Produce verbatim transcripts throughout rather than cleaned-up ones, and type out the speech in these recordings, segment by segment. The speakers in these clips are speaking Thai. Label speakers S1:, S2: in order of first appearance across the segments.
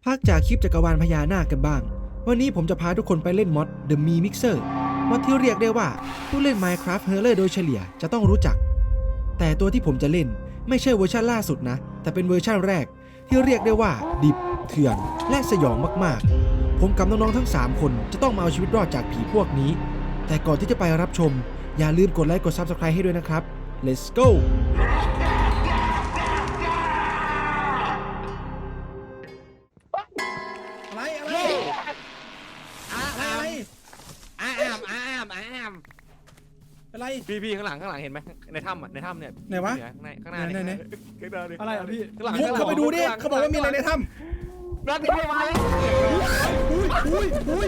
S1: พักจากคลิปจักรวาลพญานาคกันบ้าง วันนี้ผมจะพาทุกคนไปเล่นมอด The Mii Mixer มอดที่เรียกได้ว่าผู้เล่น Minecraft Horror โดยเฉลี่ยจะต้องรู้จัก แต่ตัวที่ผมจะเล่นไม่ใช่เวอร์ชันล่าสุดนะ แต่เป็นเวอร์ชันแรกที่เรียกได้ว่าดิบเถื่อนและสยองมากๆ ผมกับน้องๆทั้งสามคนจะต้องมาเอาชีวิตรอดจากผีพวกนี้ แต่ก่อนที่จะไปรับชมอย่าลืมกดไลค์กด Subscribe ให้ด้วยนะครับ Let's goอะไรอะไรอะไรอะไร
S2: อ้ามอ้ามอ้าม
S1: อะไร
S2: พี่พี่ข้างหลังข้างหลังเห็นไหมในถ้ำอ่ะในถ้ำเนี่ย
S1: ไหนวะ
S2: ข้างในข้างหน้า
S1: ไหนไหน
S2: ข้างหน้าดิ
S3: อะไรอ่ะพี่
S2: ข้างหลัง
S1: ฟุกเข้าไปดูดิเขาบอกว่ามีอะไรในถ้
S2: รัดพี่มาเลย
S1: ำอุ้ยอุ้ยอุ้ย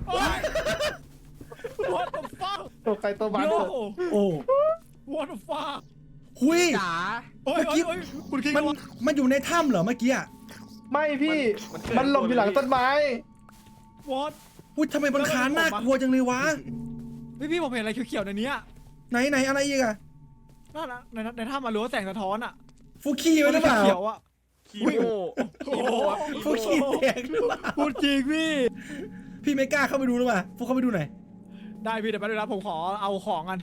S3: What the fuck
S4: ตัวใครตัวมัน
S3: Yo
S1: โอ้
S3: What the fuck
S1: หุย
S2: จ๋า
S3: โอ้ยโอ้ยโอ้ยคุณคิง
S1: มันมันอยู่ในถ้ำเหรอเมื่อกี้อ่ะ
S4: ไม่พี่มันหลบอยู่หลังต้นไม้
S3: What
S1: อุ้ยทำไมมันคานน่ากลัวจังเลยวะ
S3: พี่พี่ผมเห็นอะไรเขียวๆในนี้อ่ะ
S1: ไหนไหนอะไรอีกอ่ะ
S3: นั่นนะในในถ้ำมาหรือว่าแสงสะท้อนอ่ะ
S1: ฟุกขี้ไว้หรือเปล่า
S3: เขียวๆอ่ะ
S2: คีโม
S3: โอ้โห
S1: ฟุกขี้แตกหรือเปล่า
S3: พูดจริงพี่
S1: พี่ไม่กล้าเข้าไปดูหรือเปล่าฟุกเข้าไปดูหน่อย
S3: ได้พี่เดี๋ยวแป๊บนึงนะผมขอเอาของกัน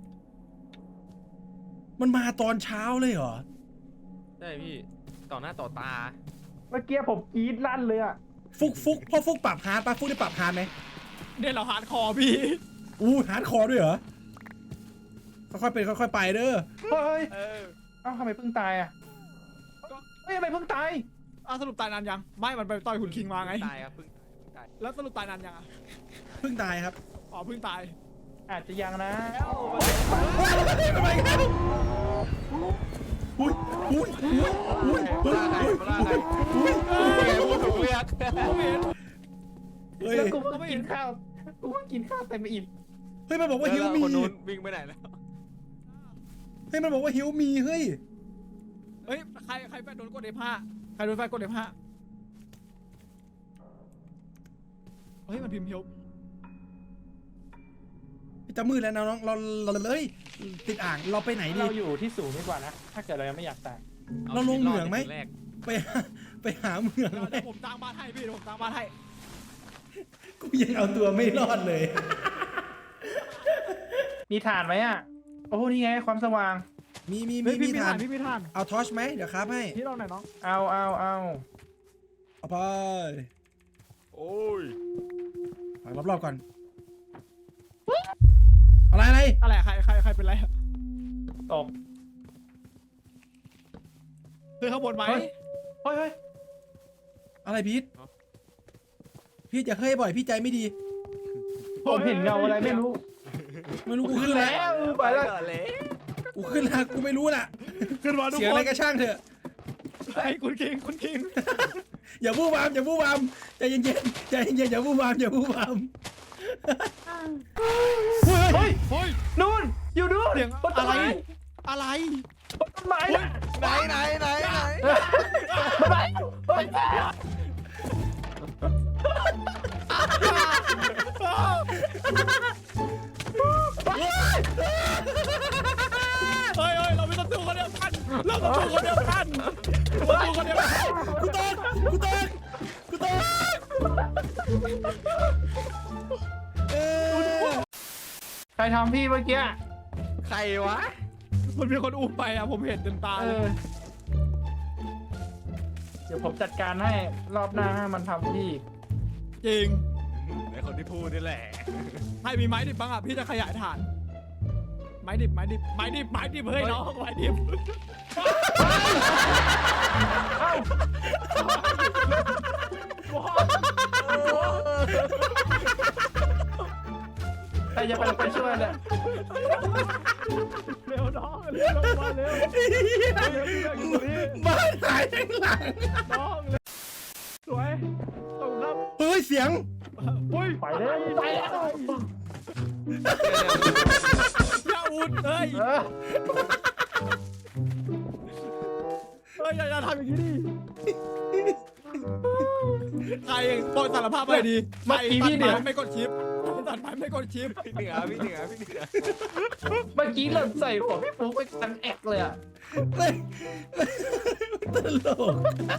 S1: มันมาตอนเช้าเลยเหรอ
S2: ใช่พี่ต่อหน้าต่อตา
S4: เมื่อกี้ผมกรี๊ดลั่นเลยอ่ะ
S1: ฟุกฟุกพ่อฟุกปรับฮาร์ดปะฟุกได้ปรับฮาร์ดไหม
S3: เนี่ยเราฮาร์ดคอร์พี่
S1: อู้ฮาร์ดคอร์ด้วยเหรอค่อยๆเป็นค่อยๆไปเด้อ
S4: เฮ้ย
S3: เออ
S4: เอ้าทำไมเพิ่งตายอ่ะเฮ้ยทำไมเพิ่งตาย
S3: อ่ะสรุปตายนานยังไม่มันไปต่อยคุณคิงมาไง
S2: ตายครับเพิ่งตาย
S3: แล้วสรุปตายนานยังอ่ะ
S1: เพิ่งตายครับ
S3: อ๋อเพิ่งตาย
S4: อาจจะยังนะ
S1: ทำไมครับอุ้ยอุ้ยอุ้ยอุ้ย
S2: มาล่าใครมาล่าใคร
S1: อุ้ย
S2: แกพูดถูกเรียก
S3: ผมเห็น
S1: เฮ้ย
S4: แล้วกูเพิ่งกินข้าวกูเพิ่งกินข้าวเต็มอิ่ม
S1: เฮ้ยมันบอกว่าฮิวมี
S2: คนนู้นวิ่งไปไหนแล้ว
S1: เฮ้ยมันบอกว่าฮิวมีเฮ้ย
S3: เฮ้ยใครใครไปโดนกด เอฟ ห้า ใครโดนไฟกด เอฟ ห้า เฮ้ยมันพิมพ์เฮล
S1: จะมืดแล้วนะน้องเราเราเลยติดอ่างเราไปไหนดี
S4: เราอยู่ที่สูงดีกว่านะถ้าเกิดเรายังไม่อยากตาย
S1: เราลงเหมืองไหม
S2: แรก
S1: ไปหาไปหาเมือง
S3: เดี๋ยว
S1: ไหม
S3: เดี๋ยวผมตั้งบ้านให้พี่เดี๋ยวผมตั้งบ้านให้
S1: กูยังเอาตัวไม่รอดเลย
S4: มีถ่านไหมอ่ะโอ้นี่ไงความสว่าง
S1: มีมี
S3: เฮ้
S1: มี
S3: ยพี่
S1: มี
S3: มี
S1: ทา
S3: ทาน นพี่มีทาน
S1: เอาทอชไหมเดี๋ยวครับให้
S3: พี่ลองหน่อยน้อง
S4: เอาเอาเอา
S1: เอาไป
S2: โอ้ย
S1: ไปรอบๆก่อนอะไรอะไร
S3: อะไรใครใครใครเป็นไร
S4: ตก
S3: คือข้างบนไหม
S4: เฮ้ย เฮ้ยเฮ้ย
S1: อะไรพีทพีทจะเฮ้ยบ่อยพี่ใจไม่ดี
S4: ผมเห็นเงาอะไรไม่รู้
S1: ไม่รู้กูขึ้นแล้ว
S4: ไปแล้ว
S2: เลย
S1: กูขึ้นแล้วกูไม่รู้น่ะ
S3: ขึ้นมาทุก
S1: เสียง
S3: ค
S1: อะไร
S3: น
S1: ก็ช่างเถอะ
S3: ไอ้คุณคิงคุณคิง
S1: อย่าบู้บามอย่าบู้บามใจเย็นๆใจเย็นๆอย่าบู้บามอย่าบู้บาม
S4: เฮ้ย
S3: เฮ้ย
S4: นู่นอยู่นู่น
S3: เสียง
S4: บนต้
S3: อะ
S4: น
S3: ไร
S4: ไม้
S3: อะไร
S4: บนต้นไม้น่ะ
S2: ไหนไหนไหนไหน
S4: ต้นไม้เฮ้ย
S3: เฮ้ยเฮ้ยเราเป็นศัตรูคนเดียวกันเราศัตรูคนเดียวกันศัตรูคนเดียวกัน
S1: กูตกกูตกกูตกเออ
S4: ใครทำพี่เมื่อกี้
S2: ใครวะ
S3: มันมีคนอุ้มไปอ่ะผมเห็นเต็มตา
S4: เอ
S3: เลย
S4: อ เดี๋ยวผมจัดการให้รอบหน้าให้มันทำพี่
S3: จริง
S2: ไอคนที่พูดนี่แหละ
S3: ให้มีไม้ดิบบ้างอ่ะพี่จะขยายฐาน ไม้ดิบไม้ดิบไม้ดิบไม้ดิบเฮ้ยน้องไม้ดิบ
S4: ใครจะไปไปช่วยเนี่ย
S3: เร็วน้องเร็วลงมาเร็วเร็วพี่แม่อยู่ตรงนี้
S1: บ้านหายข้างหลัง
S3: น้องเร็วสวยขอบคุณครับ
S1: เฮ้ยเสียง
S3: อุ้ย
S4: ไปเลยไปแล้ว
S3: อย่าอุดเฮ้ย
S4: เออ
S3: เฮ้ยอย่าอย่าทำอย่างนี้ดิใครโปรดสารภาพไปดีใครตัดไม้ไม่กดชิปตัดไม้ไม่กดชิป
S2: พี่เหนือพี่เหนือพี่เหนือ
S4: เมื่อกี้หล่นใส่หัวพี่ฟุ๊กไปทั้งแอกเลยอ่ะ
S1: เฮ้ยตลก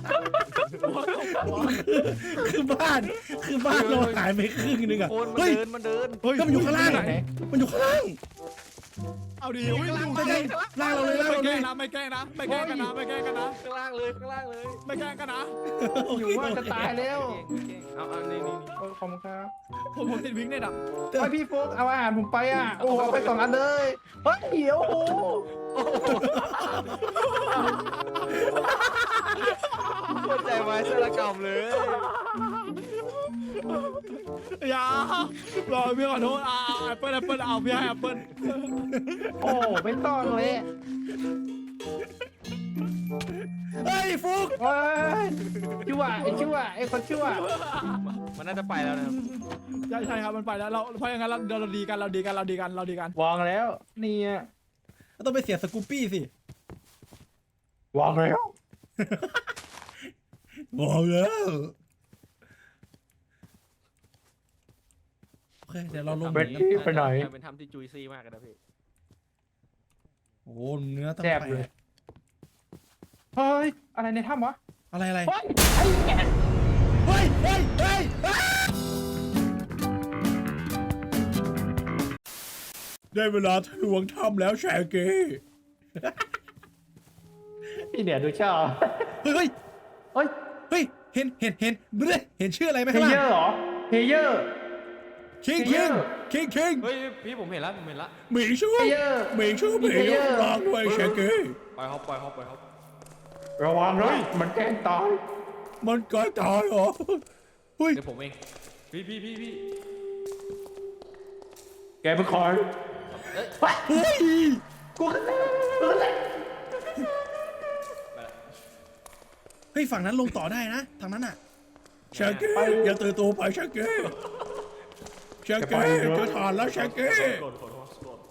S1: คือบ้านคือบ้านเราหายไปครึ่งนึงอ่ะ
S2: โคนมัน
S1: เฮ้ย
S2: เดินมันเดิน
S3: เฮ้ย
S1: ก็มันอยู่ข้างล่างอะมันอยู่ข้างล่าง
S3: เอาดิวิ่งอยู่
S1: ใช่ใช่ล่างเราเลยล่าง
S3: ไม่
S1: เรา
S3: แก
S1: เล
S3: ล้
S1: ย
S3: งนะไม่แกล้งนะไม่แกล้งกันนะไม่แกล้งกันนะ
S2: ข้างล่างเลยข้างล่างเลย
S3: ไม่แกล้งกันนะ
S4: อยู่ว่าจะตายแล้ว
S2: เก่งๆเอาเอานี่นี่นี่
S4: โอ้ขอบคุณครับ
S3: ผมผมติดวิ่งเนี่ยดับ
S4: ไอพี่ฟุ๊กเอาอาหารผมไปอ่ะ โอ้เอาไปสองอันเลยเฮ้ยเดี๋ยวโอ้โห
S2: โคตรใจไม้สารกรรมเลย
S3: อย่ารอพี่ขอโทษอ่าแอปเปิลแอปเปิลเอาพี่ให้แอปเปิล
S4: โอ้ไม่ต้องเลย
S1: เฮ้ยฟุก
S4: เฮ้ยชั่วไอ้ชั่วไอ้คนชั่ว
S2: มันน่าจะไปแล้วนะครับ
S3: ใช่ใช่ครับมันไปแล้วเราเพราะอย่างนั้นเราเราดีกันเราดีกันเราดีกันเราดีกัน
S4: วางแล้วเนี่ย
S1: ต้องไปเสียสกูปปี้สิ
S4: วางแล้ว
S1: บอกแล้วโอเคเดี๋ยวเราลง
S4: เบรดที่ไปไหน
S2: เป็นทำที่จุยซี่มากเลยนะพี่
S1: โอ้เนื้อต้อง
S4: แซ่บ
S1: ไป
S4: เลย เฮ้ยอะไรในถ้ำวะ
S1: อะไรอะไร
S4: เฮ้ยไอ้แกะ
S1: เฮ้ยเฮ้ยเฮ้ยอ้าได้เวลาทะลวงถ้ำแล้วแชร์เก้
S4: พี่เนี่ยดูชอบ
S1: เฮ้ยเฮ้ย
S4: เฮ้ย
S1: เฮ้ยเห็นเห็นเห็นเบ้เห็นชื่ออะไรไหม
S4: เพ
S1: ข้าง
S4: เย
S1: ล่า
S4: อง ร์เหรอเพเยอร์
S1: คิง
S4: เพ
S1: คิ
S4: เย
S1: ง
S4: อร์
S1: คิงคิง
S2: เฮ้ยพี่ผมเห็นแล้วผมเห็นแล้ว
S1: หมิงชู
S4: เพเยอร์
S1: หมิงชูหมิง
S4: เพเย
S1: ชู
S4: อร์
S1: ร้องด้วยแชร์เก้
S2: ปล่อยเขาปล่อยเขาปล่อยเขา
S4: ระวังเลยมันแกล้งตาย
S1: มันก็ตายเหรอเฮ้ย
S2: เดี๋ยวผมเองพี่พี่พี่พี่
S4: แกเป็นคอย
S1: เฮ้ย
S4: กูขึ้นแล้วกูขึ้นแล้ว
S1: เฮ้ยฝั่งนั้นลงต่อได้นะทางนั้นอ่ะแชร์เก้อย่าตื่นตัวไปแชร์เก้แชร์เก้จะทานแล้วแชร์เก้
S2: โกรธโกรธโกรธ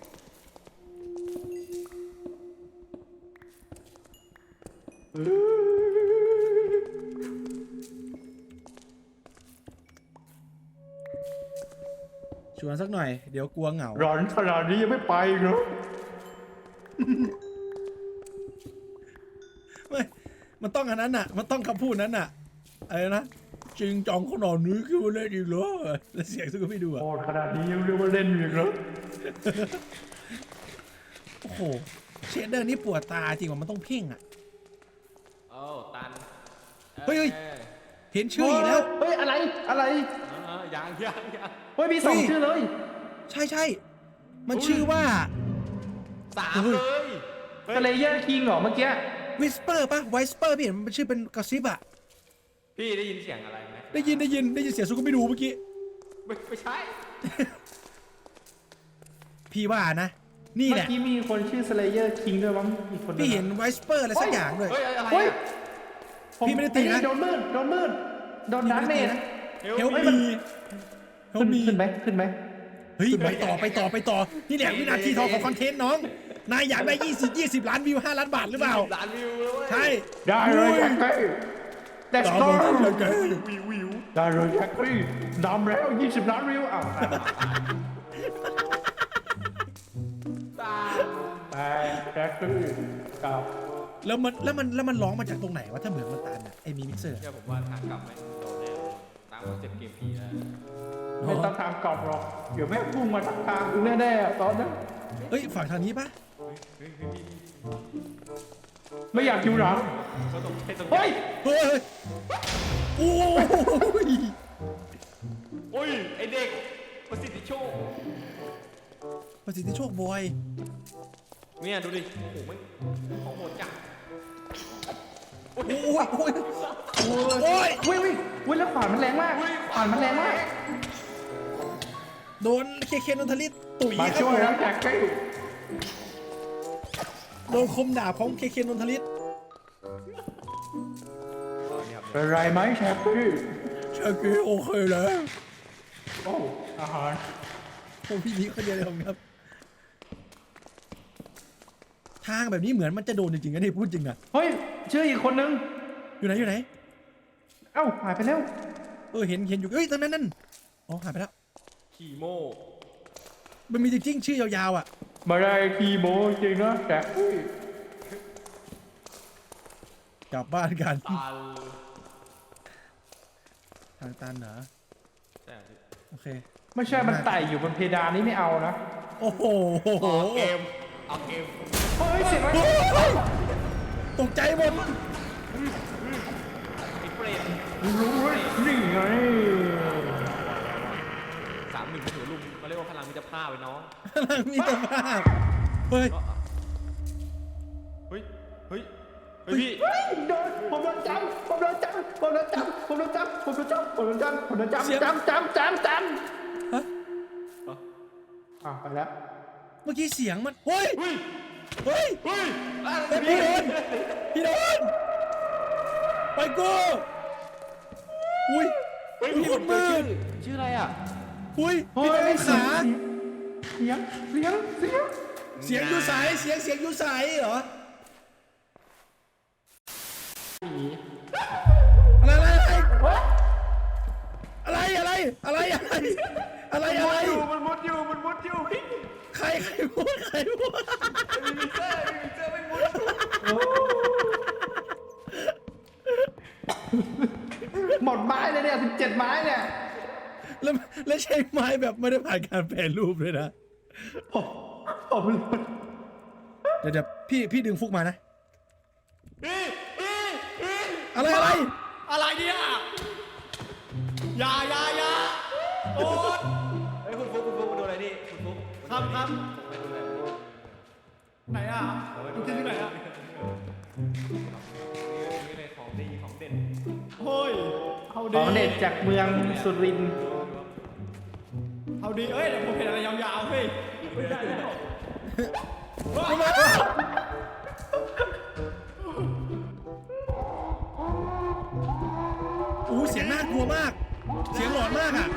S1: ชวนสักหน่อยเดี๋ยวกลัวเหงา
S4: ร้อนขนาดนี้ยังไม่ไปอีกเหรอ
S1: ไม่มันต้องอันนั้นน่ะ มันต้องคำพูดนั้นน่ะอะไรนะจริงจองขนาดนี้คือว่าเล่นอีกเหรอแล้วเสียงซึ่งก็ไม่ดูอ่ะ
S4: โหดขนาดนี้ยังเรียกว่าเล่นอีกเหรอ
S1: โอ้โหเชดเดอร์นี่ปวดตาจริงว่ามันต้องเพ่งอ่ะ
S2: โอ้ตัน
S1: เฮ้ยเฮ้ย เห็นชื่ออีกแล้ว
S4: เฮ้ยอะไรอะไร
S2: เออยังยังยัง
S4: เฮ้ยมีสอง
S1: เฮ้ย
S4: ชื่อเลย
S1: ใช่ใช่มันชื่อว่า
S2: สามเลย
S4: สเลเยอร์คิงเหรอเมื่อกี้
S1: วิสเปอร์ป่ะไวสเปอร์พี่เห็นมันชื่อเป็นกระซิบอ่ะ
S2: พี่ได้ยินเสียงอะไรไหม
S1: ได้ยินได้ยินได้ยินเสียงซุกก็ไม่ดูเมื่อกี้
S2: ไม่ไม่ใช่
S1: พี่ว่านะ นี่
S4: เมื่
S1: แห
S4: อ
S1: ละ
S4: กี้มีคนชื่อสเลเยอร์คิงด้วยมั้งอีกคน
S1: พี่เห็นไวสเปอร์อะไรสักอย่างด้วย
S2: เฮ้ยอะไร
S4: เฮ้ย
S2: อะ
S1: พี่ไม่ได้ตีนะ
S4: โดนมืดโดนมืดโดนดันเมนะ
S1: เฮล
S2: เฮ้ย
S1: มีเฮล
S4: ขึ้น
S1: มี
S4: ขึ้นไหมขึ้นไหม
S1: เฮ้ยไปต่อไปต่อไปต่อนี่แหละวินาทีทองของคอนเทนต์น้อง นายอยากได้ยี่สิบ ยี่สิบล้านวิวห้าล้านบาทหรือเปล่า
S2: ล้านวิวเลยเว้ย
S1: ใช่
S4: ได้เลยแจ็คกี้ Let's
S1: ตาม
S4: go
S1: มาที่เก๋
S2: วิววิว
S4: ได้เลยแจ็คกี้ดำแล้วยี่สิบล้านวิวอ้าว
S2: ตา
S4: แต่แจ็คกี้กับ
S1: แล้วมันแล้วมันแล้วมันร้องมาจากตรงไหนวะถ้าเหมือนมันตันอ่ะไอ้มีมิกเซอร์
S2: เชื่อผมว่าทางกลับไม่โดนแน่ตามคอนเซ็ปต์เกมผีแล้ว
S4: ไม่ต้องทางกลับหรอกเดี๋ยวแม่งพุ่งมาทางทางกูแน่ๆอะตอนนั้น
S1: เฮ้ยฝั่งทางนี้ปะ
S4: ไม่อยากอยู่หลัง
S2: ก็ตรงให้ตรง
S4: เฮ้ย
S1: เฮ้ยโอ้ย
S2: โอ้ยไอเด็กประสิทธิโชค
S1: ประสิทธิโชคบอย
S2: เนี่ยดูดิโอ้โหมันของโหดจัง
S1: โอ้ยโอ้ยโอ้ยโอ้ย
S4: วิ่งวิ่งวิ่งแล้วขวานมันแรงมากขวานมันแรงมาก
S1: โดนเคเคนนทลิตตุ๋ย
S4: มา
S1: ครับ
S4: ช่วยแล้วแจ็คกี้
S1: โดนคมดาบของเคเคนนทลิต
S4: เป็นไรไหมแจ็คกี้
S1: ชาเกโอเคแล้ว
S4: โอ้อาหาร
S1: โอ้พี่นี้คนเดียวเลยผมครับ ทางแบบนี้เหมือนมันจะโดนจริงๆนะนี่พูดจริงอะ
S4: เฮ้ยเชื่ออีกคนนึง
S1: อยู่ไหนอยู่ไหน
S4: เอ้าหายไปแล้ว
S1: เออเห็นเห็นอยู่เอ้ยตรงนั้นนั่นอ๋อหายไปแล้ว
S2: ขี่โม
S1: มันมีจริงๆชื่อยาวๆอ่ะ
S4: ไม่ได้คีโมจริงนะแต่อุ้ย
S1: กลับบ้านกัน
S2: ตัน
S1: ทางตันเหรอ
S2: แต่
S1: โอเค
S4: ไม่ใช่มันไต่อยู่บนเพดานนี้ไม่เอานะ
S1: โอ้โห
S2: เอาเกมเอาเกม
S4: เฮ้ยเสียงอะไร
S1: ตกใจหมด
S2: ไอ้เปรต
S4: รู้เว้ยนี่ไง
S2: สามหนึ่งถือลุมมาเรียกว่าพลังมิตรภาพไปน้อง
S1: พลังมีตภาพเฮ้ย
S2: เฮ้ยเฮ้ยเฮ้ยพี่
S4: เฮ้ยโดนผมโดนจับผมโดนจับผมโดนจับผมโดนจับผมโดนจับผมโดนจับผมโดนจับจับจับจับจับ
S1: ฮะ
S4: อ่ะไปแล้ว
S1: เมื่อกี้เสียงมันเฮ้ย
S2: เฮ้ย
S1: เฮ้ย
S2: เฮ้ย
S1: เฮ้ยพี่โดนพี่โดนไปกูอุ้ย
S2: เฮ้ย
S1: อุ้ย
S2: พี่
S1: ค
S2: ผ
S1: น
S2: ม
S1: มื
S2: เจอ
S1: ด
S2: ชื่อชื่ออะไรอ่ะ
S1: อุ้ย
S4: เฮ้
S1: พี่
S4: ย
S1: โดนขา
S4: เสียงเสียงเสียง
S1: เสียงอยู่ใสเสียงเสียงอยู่ใสเหรออะไรอะไรอะไรอะไรอะไรอะไรอะไรอะไร
S2: อยู่มันมุดอยู่มันมุดอยู่พี่
S1: ใครใครพูดใครพูด
S2: มีมิเตอร์มีมิเตอร์ไม่มุด
S4: หมดไม้เลยเนี่ยสิบเจ็ดไม้เนี่ย
S1: แล้วแล้วใช้ไม้แบบไม่ได้ผ่านการแปรรูปเลยนะ
S4: ผมผม
S1: เดี๋ยวเดี๋ยวพี่พี่ดึงฟุกมานะ
S2: พี่พี่พี่
S1: อะไรอะไร
S3: อะไรเนี่ยอยาอยาอยาโอ๊ต
S2: เฮ้ยคุณฟุ๊กคุณฟุ๊กมาดูอะไรนี่คุณฟุ๊ก
S3: ครับครับ
S2: ไปดูอะไร
S3: ไหนอ่ะคุณคิดที่ไหนอ่ะ
S2: นี่เลยของดีของเด่น
S3: เฮ้ยเอา
S4: ข
S3: ดี
S4: องเด็ดจากเมืองสุรินทร์
S3: เอาดีเอ้ยเดี๋ยวผมเห็นอะไรยาวๆเฮ้ยไม่ได้แล้ว
S1: โอ้เสียงน่ากลัวมาก เสียงหลอนมากอ่ะ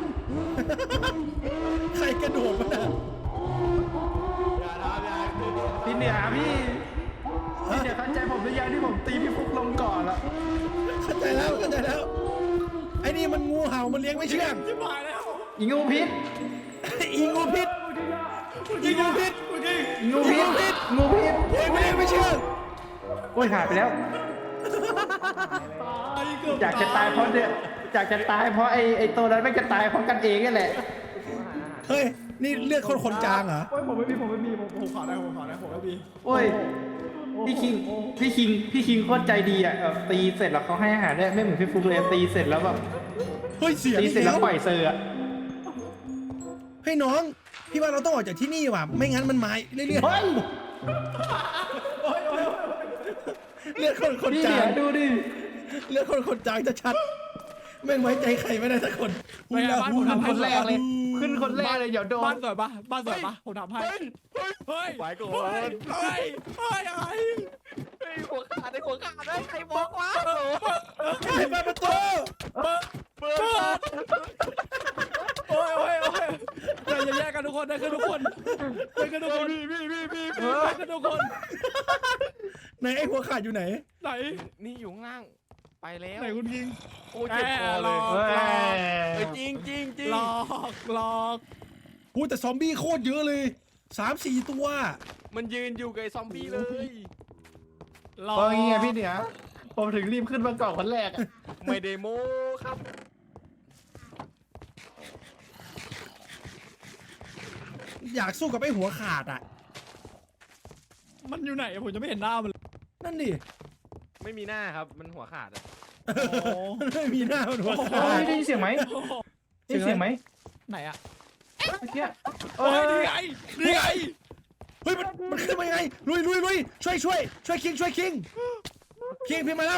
S1: ใครกระโดดมาน่ะ
S2: อย่าทำอย่า
S4: พี่เหนือพี่พี่เหนือเข้าใจผมหรือยังที่ผมตีพี่ฟุกลงก่อนละ
S1: เข้าใจแล้วเข้าใจแล้วไอ้นี่มันงูเห่ามันเลี้ยงไม่เชื่อง
S3: ชิบหายแล้ว
S4: อีงูพิษ
S1: อีงูพิษอีงูพิษ
S3: เมื่อกี้
S4: อีงูพิษงูพิษ
S1: เลี้ยงไม่เลี้ยงไม่เชื่อง
S4: โอ้ยหายไปแล้ว
S3: ตายเกือบ
S4: อยากจะตายเพราะเนี่ยอยากจะตายเพราะไอ้ไอ้ตัวนั้นไม่จะตายเพราะกันเองนี่แหละ
S1: เฮ้ยนี่เลือดคนคนจางเหรอ
S3: โอ้ยผมไม่มีผมไม่มีผมผมขอได้ผมขอได้ผมไม่มี
S4: โอ้ยพี่คิงพี่คิงพี่คิงโคตรใจดีอ่ะแบบตีเสร็จแล้วเขาให้อาหารด้วยไม่เหมือนพี่ฟุกเลยตีเสร็จแล้วแบบ
S1: เฮ้ยเสียง
S4: ตีเสร็จแล้วปล่อยเซอร์อ่ะ
S1: เฮ้ยน้องพี่ว่าเราต้องออกจากที่นี่ว่ะไม่งั้นมันหมายเรื่อย
S4: เฮ้ย
S1: ๆเลือดคนคน
S4: พี่
S1: จา
S4: เหนื
S1: ง
S4: อดูดิ
S1: เลือดคนคนจางจะชัดแม่งไว้ใจใครไม่ได้สักคน
S3: ไปไงบ้านผมทำให้
S4: คนแรกเลย ขึ้นคนแรกเลยเดี๋ยวโด
S3: บ้าน นสวยปะบ้านสวยปะผมทำให้
S2: เฮ้ย
S3: เฮ้ย
S2: ไปก่อ
S3: เฮ้ย
S2: น
S3: เฮ้ยเฮ้ยอะไร
S2: เฮ้ยหัวขาดไอ้หัวขาดได้ใครบอกวะ
S1: ใครเปิดประตู
S3: เปิด
S2: เปิด
S3: โอ้ยโอ้ยโอ้ยอย่าอย่าแยกกันทุกคนได้กันทุกคนได้กันทุกคน
S2: พี่พี่พี่พี่
S3: ได้กันทุกคน
S1: ไหนไอ้หัวขาดอยู่ไหน
S3: ไหน
S2: นี่อยู่ข้างล่างไปแล้ว
S3: ไหนคุณยิง
S2: โอ้ยเจ็บคอเลย
S3: แหม่หลอก
S2: เฮ้ยจริงจริงจริง
S3: หลอกหลอก
S1: พูดแต่ซอมบี้โคตรเยอะเลยสามสี่ตัว
S2: มันยืนอยู่กับไอ้ซอมบี้เลย
S3: หลอก
S4: เพราะงี้ไงพี่เหนือผมถึงรีบขึ้นมาก่อนคนแรกอะ
S2: ไม่ได้โม้ครับ
S1: อยากสู้กับไอ้หัวขาดอ่ะ
S3: มันอยู่ไหนผมจะไม่เห็นหน้ามันเลย
S1: นั่นดิ
S2: ไม่มีหน้าครับมันหัวขาดอะ
S1: มันไม่มีหน้ามันหัว
S4: เฮ้
S1: ขาด
S4: ยได้ยินเสียงไหมได้ยินเสียงไหม
S3: ไหนอะ
S4: เมื่อกี้
S3: เฮ้ยนี่ไงนี่ไง
S1: เฮ้ยมันมันขึ้นมายังไงลุยลุยลุยช่วยช่วยช่วยคิงช่วยคิงคิงพี่มาแล้ว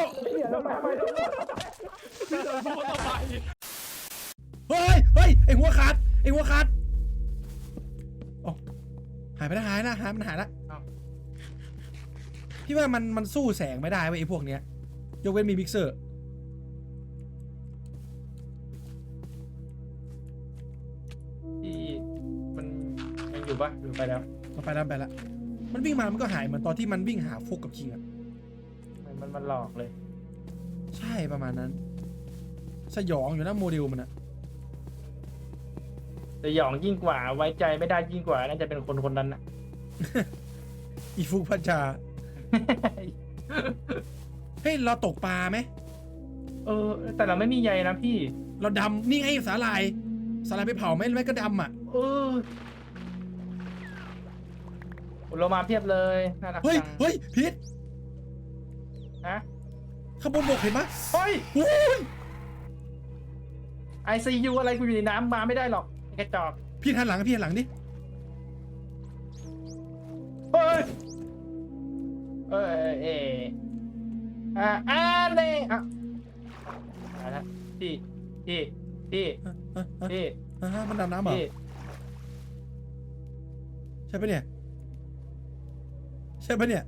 S3: รู้ว่าทำไม
S1: เฮ้ยเฮ้ยไอ้หัวขาดไอ้หัวขาดโอ้หายไปแล้วหายนะหายมันหายแล้วพี่ว่ามันมันสู้แสงไม่ได้เว้ยไอ้พวกเนี้ยยกเว้นมีมิกเซอร์
S4: ที่มันยังอยู่ปะอยู่ไปแล้ว
S1: มันไปแล้วไปแล้วมันวิ่งมามันก็หายเหมือนตอนที่มันวิ่งหาฟุกกับคิงอะ
S4: มันมันมันหลอกเลย
S1: ใช่ประมาณนั้น สยองอยู่นะโมเดลมันอะ
S4: สยองยิ่งกว่าไว้ใจไม่ได้ยิ่งกว่าน่าจะเป็นคนคนนั้นนะ
S3: อีฟุกพัชชาเฮ้ยเราตกปลาไหม
S4: เออ แต่เราไม่มีใยนะพี่
S3: เราดำนี่ไงสาหร่ายสาหร่ายไปเผาไหมไม่ก็ดำอ่ะ
S4: เออโลมาเพียบเลยน่ารัก
S3: เฮ้ย
S4: จัง
S3: เฮ้ยพีท
S4: ฮะ
S3: ข้างบนบกเห็นปะ
S4: เฮ้ย
S3: โอ้ย
S4: ไอซียูอะไรกูอยู่ในน้ำมาไม่ได้หรอกไอ้กระจอก
S3: พี่หันหลังพี่หันหลังดิ
S4: เฮ้ยเอ้ยเออ่าอ่าเน่อ่ะมาแล้วพี่พี่พี่
S3: อ่ะอ่ะอ่ะ
S4: พี่
S3: อ่ะมันดำน้ำเหรอ
S4: พี่
S3: ใช่ปะเนี่ยใช่ปะเนี่ย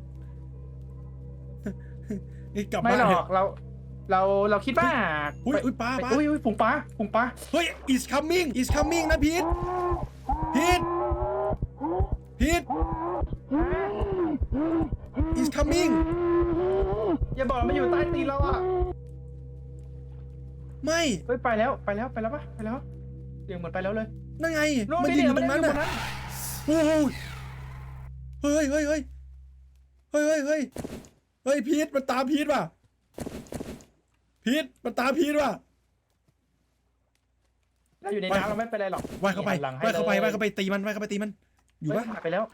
S3: นี่กลับ
S4: ไม่
S3: บ้าน
S4: หร
S3: เถ
S4: อ
S3: อะ
S4: กเราเราเราคิดว่า
S3: อุ้ยอุ้ยปลา
S4: ไป
S3: ปลา
S4: อุ้ยอุ้ยผงปลาผงปลา
S3: เฮ้ย is coming is coming นะพีทพีทพีท is coming
S4: อย่าบอกมันอยู่ใต้ตีนเราอ่ะ
S3: ไม่
S4: เฮ้ยไปแล้วไปแล้วไปแล้วปะไปแล้วเสียงเหมือนไปแล้วเลย
S3: นั่นไง
S4: นู่น
S3: มัน
S4: นี่
S3: ยืน
S4: เนี่
S3: อย ยู่ตรงนั้น
S4: มันอยู่บนนั้
S3: น่ะ
S4: น
S3: โอ้โหเฮ้ยเฮ้ยเฮ้ยเฮ้ยเฮ้ยเฮ้ยเฮ้ยพีทมันตามพีทว่ะพีทมันตามพีทว่ะ
S4: เราอยู่ในน้ำเราไม่เป็นไรหรอก
S3: ว่ายเข้าไป
S4: หันหลังให้
S3: ว่ายเข้าไป
S4: ล
S3: ว่ายเข้าไปตีมันว่ายเข้าไปตีมันอยู่
S4: เฮ้
S3: ปะ
S4: หายไปแล้ว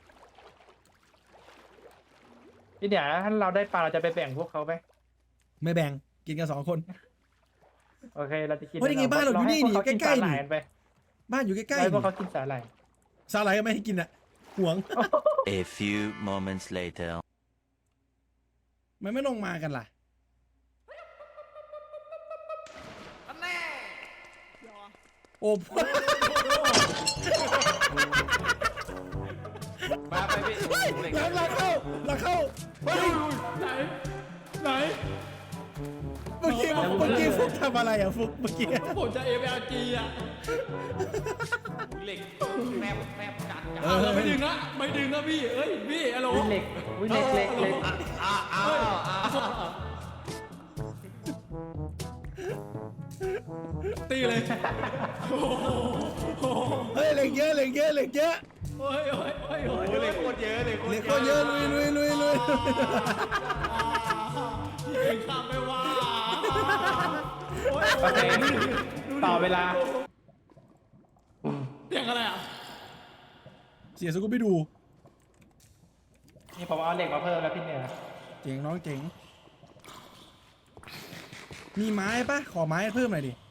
S4: พี่เดี๋ยวถ้าเราได้ปลาเราจะไปแบ่งพวกเขาไหม
S3: ไม่แบ่งกินกันสองคน
S4: โอเคเราจะกิน
S3: เฮ้ยยังไงบ้านเราอยู่นี่
S4: ให้พวเขา
S3: นี่ใกล้ๆ
S4: นสาหร่าย
S3: นี่
S4: กันไป
S3: บ้านอยู่ใกล้
S4: ให้
S3: ๆ
S4: พวกเขากินสาหร่าย
S3: สาหร่ายก็ไม่ให้กินอ่ะห่วง
S5: A few moments later.
S3: มันไม่ลงมากันล่ะ โอ้
S2: มาไปพี่โอ้โหเหล็ก
S3: หลังหลังเข้าหลังเข้าเฮ้ย
S2: ไหนไหน
S3: เมื่อกี้เมื่อกี้ฟุกทำอะไรอ่ะฟุกเมื่อกี้
S2: ผมจะเอฟเอลจีอ่ะเหล็กแมบแมบจัดจัด
S3: เออ
S2: ไม่ดึงนะไม่ดึงนะพี่เอ้ยพี่ฮัลโหล
S4: วิเหล็กวิเหล็กเหล็กเหล็ก
S2: อ้าวอ้าวอ้าวตีเลย
S3: เฮ้ยเหล็กเยอะเหล็กเยอะเหล็กเยอะ
S2: โอ้ยโอ้ยโอ้ยโอ้ยเหล็กโคตรเยอะเลย
S3: เหล็กก็เยอะลุยลุยลุยลุย
S2: พี่เก่งข้ามไปว่าโอ้ย
S4: โอเคต่อเวลา
S2: เสียงอะไรอ่ะ
S3: เสียสกุลไปดู
S4: นี่ผมเอาเหล็กมาเพิ่มแล้วพี่เนี่ย
S3: เจ๋งน้องเจ๋งมีไม้ปะขอไม้เพิ่มหน่อยดิ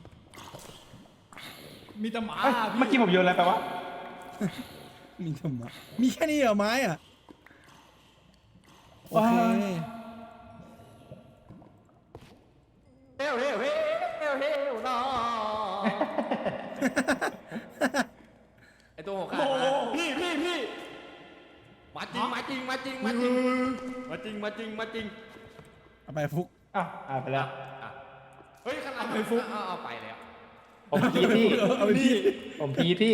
S2: มีแต่หมา
S4: เอ้ยเมื่อกี้ผมโยนอะไรไปวะ
S3: มีทำไมมีแค่นี้เหรอไม้อ่ะโอเค
S2: เฮ้ยเฮ้ยเฮ้ยเฮ้ยเฮ้ยน้อไอตัวหัวขาดพี่พี่พี่มาจริงมาจริงมาจริงมาจริงมาจริงมาจริงมาจริง
S3: เอาไปฟุก
S4: อ้าวอ่าไปแล้ว
S2: เฮ้ยขนาดไปฟุกเอาไปแล้ว
S4: ผมพีพี่
S3: เอาไปพี่
S4: ผมพีพี่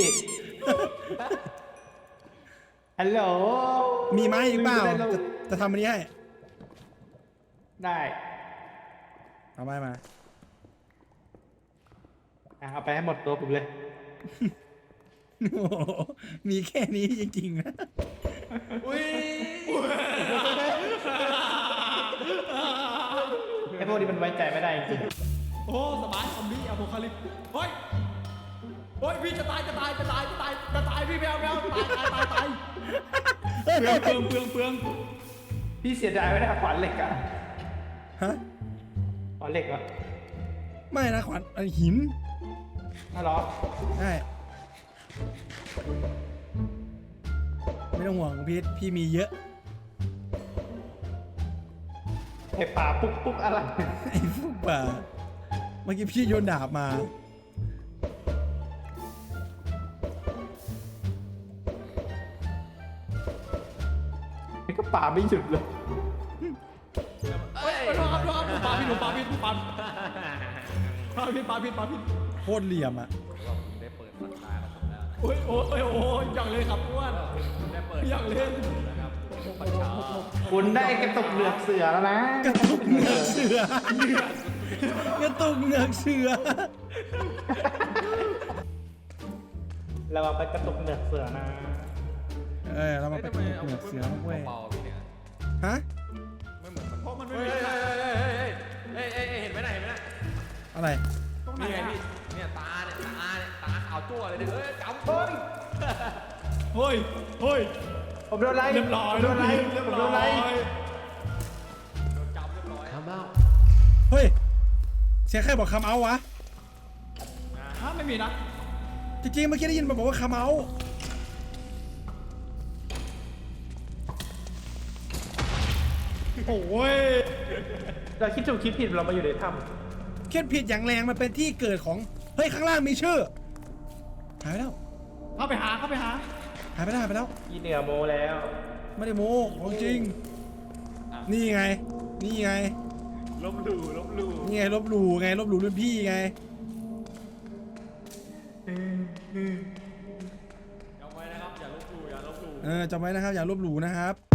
S4: ฮัลโหล
S3: มีไม้อีกเปล่า
S4: ได้แล้ว
S3: จะจะทำอันนี้ให้
S4: ได้
S3: เอาไม้มา
S4: อ่ะเอาไปให้หมดตัวผมเลย
S3: โอ้โหมีแค่นี้จริงๆนะ
S2: อุ้ย
S4: ไอ้พวกนี้มันไว้ใจไม่ได้จริง
S2: โอ้สบายซอมบี้อะโพคาลิปเฮ้ยเฮ้ยพี่จะตายจะตายจะตายจะตายจะตายพี่แมวแมวตายตายตายตายเปลืองเปลืองเปลืองเปลือง
S4: ๆพี่เสียดายไม่ได้ขวานเหล็กอะ
S3: ฮะ
S4: ขวานเหล็กเหรอ
S3: ไม่นะขวัญอันหิน
S4: น่าหรอ
S3: ใช่ไม่ต้องห่วงพีทพี่มีเยอะ
S4: ไอ้ป่าปุ๊กปุ๊กอะไร
S3: ไอ้พวกป่าเมื่อกี้พี่โยนดาบมา
S4: ไอ้ก็ป่าไม่หยุดเลย
S2: เฮ้ยโทษครับโทษครับปลาพิษปลาพิษปลาพิษปลาพิษปลาพิษปลาพิษ
S3: โคตรเหลี่ยมอ่ะ
S2: ได้เปิดสัญญาแล้วโอ้ยโอ้ยโอ้ยอย่างเลยครับอ้วนได้เปิดอย่างเล่นนะครับประชา
S4: คุณได้กระตุกเหลือกเสือแล้วนะ
S3: กระตุกเหงือกเสือกระตุกเหงือกเสือ
S4: เราเอาไปกระตุกเหนือกเสือนะ
S3: เออเรามาไป
S2: ทำไม
S3: เห
S2: เอา
S3: นือกเสือเว้ย
S2: เบาๆพี่เนี่ย
S3: ฮะ
S2: ไม่เหมือนมันเพราะมันไม่มีเฮ้ยเฮ้ยเฮ้ยเฮ้ยเฮ้ยเห็นไหมน่ะเห็นไหมน่ะ
S3: อะไร
S2: นี่ไงพี่เนี่ยตาเนี่ยตาเนี่ยตาขาวจั่วเลยเนี่ยเฮ้ยจำเฮ้ยเฮ้ยเฮ้ย
S4: ผมโดนไล่
S2: เรียบร้อย
S4: ผมโดนไล่
S2: เรียบ
S4: ผม
S2: ร้
S4: โด
S2: อย
S4: นไล่
S2: โดนจับเรียบร้อยทำเบ้า
S3: เฮ้ยเสียงใครบอกคำเอาวะ
S2: ฮะไม่มีนะ
S3: จริงๆเมื่อกี้ได้ยินมันบอกว่าคำเอา
S2: โอ้ย
S4: เราคิดถูกคิดผิดเรามาอยู่ในถ้
S3: เขียนผิดอย่างแรงมันเป็นที่เกิดของเฮ้ยข้างล่างมีชื่อหายไปแล้ว
S2: เข้าไปหาเข้าไปหา
S3: หายไปแล้วหายไปแล้ว
S4: ำอีเหนือโมแล้ว
S3: ไม่ได้โม้ของจริง นี่ไง นี่ไง
S2: ลบหลู่ลบหลู่
S3: นี่ไงลบหลู่ไงลบหลู่รุ่นพี่ไง
S2: จำไว้นะครับอย่าลบหลู่อย่าลบหลู่
S3: เออจำไว้นะครับอย่าลบหลู่นะครับ